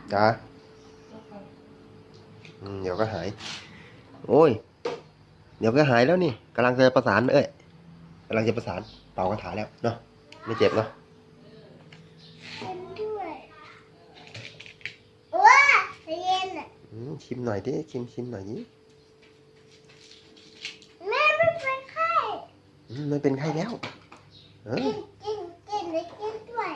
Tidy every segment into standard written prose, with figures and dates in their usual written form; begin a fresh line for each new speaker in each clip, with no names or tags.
จ้าเดี๋ยวก็หายโอ้ยเดี๋ยวก็หายแล้วนี่กำลังจะประสานกำลังจะประสานเป่ากระถาแล้วเนาะไม่เจ็บเนาะ
เป็นด้วยว้าเย็นอ่ะ
ชิมหน่อยดิชิมหน่อยดิ
แม่ไม่เป็นไข้
ไม่เป็นไข้แล้ว
กินเลยกินด้วย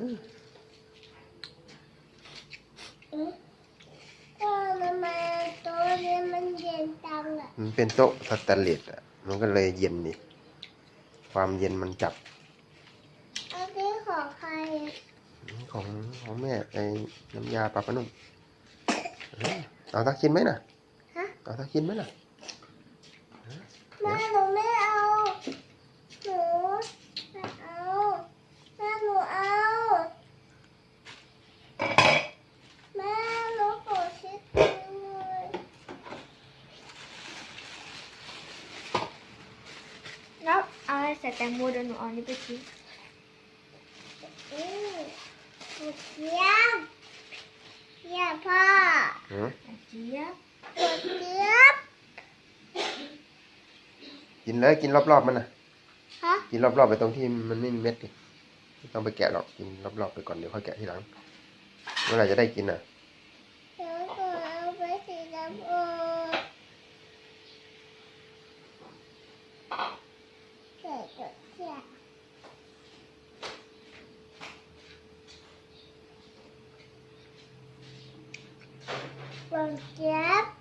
ก็ทำไมโต๊ะนี้มันเย็นจังอ่ะ
มันเป็นโต๊ะสแตนเลสอ่ะมันก็เลยเย็นนี่ความเย็นมันจับ
อันนี้ของใคร
ของแม่ไอ้น้ำยาปลาปลานุ่มเอาสักชิ้นไหมน่ะเอาสักชิ้นไหมน่ะ
แม่หนูไม่เอาหนูไม่เอาแม่หนูเอาแม่หนูขอชิดเลย
แล้วเอาใส่แตงโมเดี๋ยวหนูเอานี่ไปทิ้ง
เจี๊ยบพ่อ
เจี๊ยบ
เจี๊ยบ
กินเลยกินรอบๆมันน่ะ
ฮะ
กินรอบๆไปตรงที่มันไม่มีเม็ดดิไม่ต้องไปแกะหรอกกินรอบๆไปก่อนเดี๋ยวค่อยแกะทีหลังเมื่อไหร่จะได้กินอ่ะ
เดี๋ยวก็เอาไปสีดำใส่ตัวเจี๊ยบหวานเจี๊ยบ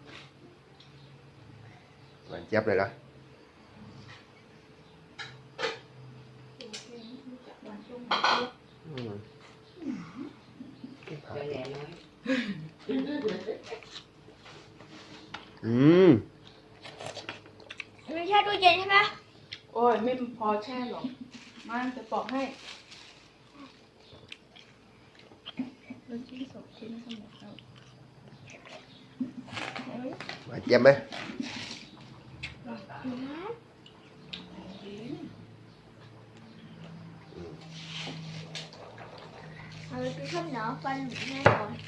หวานเจี๊ยบเลยเหรอ
ไม่ใช่ตู้เย็นใช่ไหม
โอ้ยไม่พอแช่หรอกมาจะปอกให้เราชิ้นสองชิ้นทั้งหมดแล้ว
หวานเจี๊ยบไหม
เอาไปข้าวเหนียวฟันหนูให้ก่อน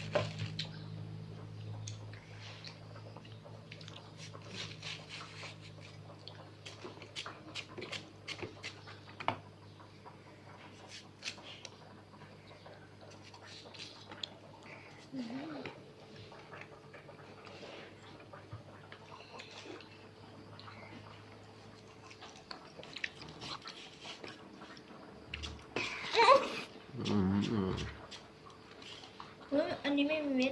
อันนี้ไม่มีเม็ด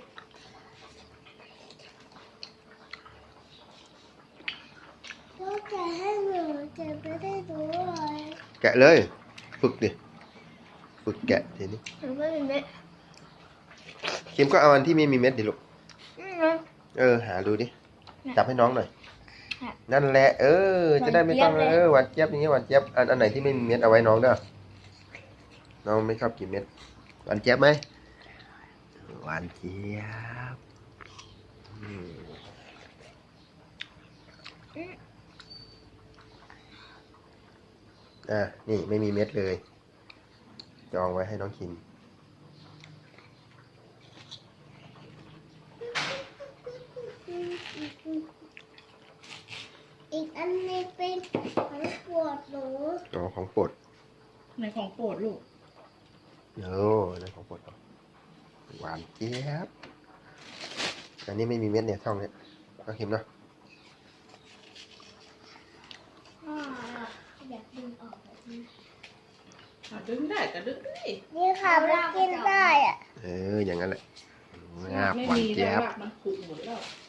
ก็แกะให้หนูจะไม่ได้ดูเลย
แกะเลยฝึกดิฝึกแกะทีนี้
หนูไม่มีเม็ด
คิมก็เอาอันที่ไม่มีเม็ดดิลูกหาดูดิจับให้น้องหน่อยนั่นแหละจะได้ไม่ต้องหวานเจี๊ยบอย่างเงี้ยหวานเจี๊ยบอันไหนที่ไม่มีเม็ดเอาไว้น้องเด้อน้องไม่ชอบกินเม็ดหวานเจี๊ยบไหมหวานเจี๊ยบนี่ไม่มีเม็ดเลยจองไว้ให้น้องกิน
อีกอันนี้เป็นของโปรดหนู
ของโปรด
ในของโปรดลูก
ในของโปรดหวานเจี๊ยบอันนี้ไม่มีเม็ดเนี่ยช่องเนี้ยน้องคิมเนาะ
อยากดึงออกแบบนี้
ดึงได้ก็ดึงได้
นี่ค่ะมันกินได้
อย่างนั้นแหละ
ไม่มีแล้วมันผุหมดแล้ว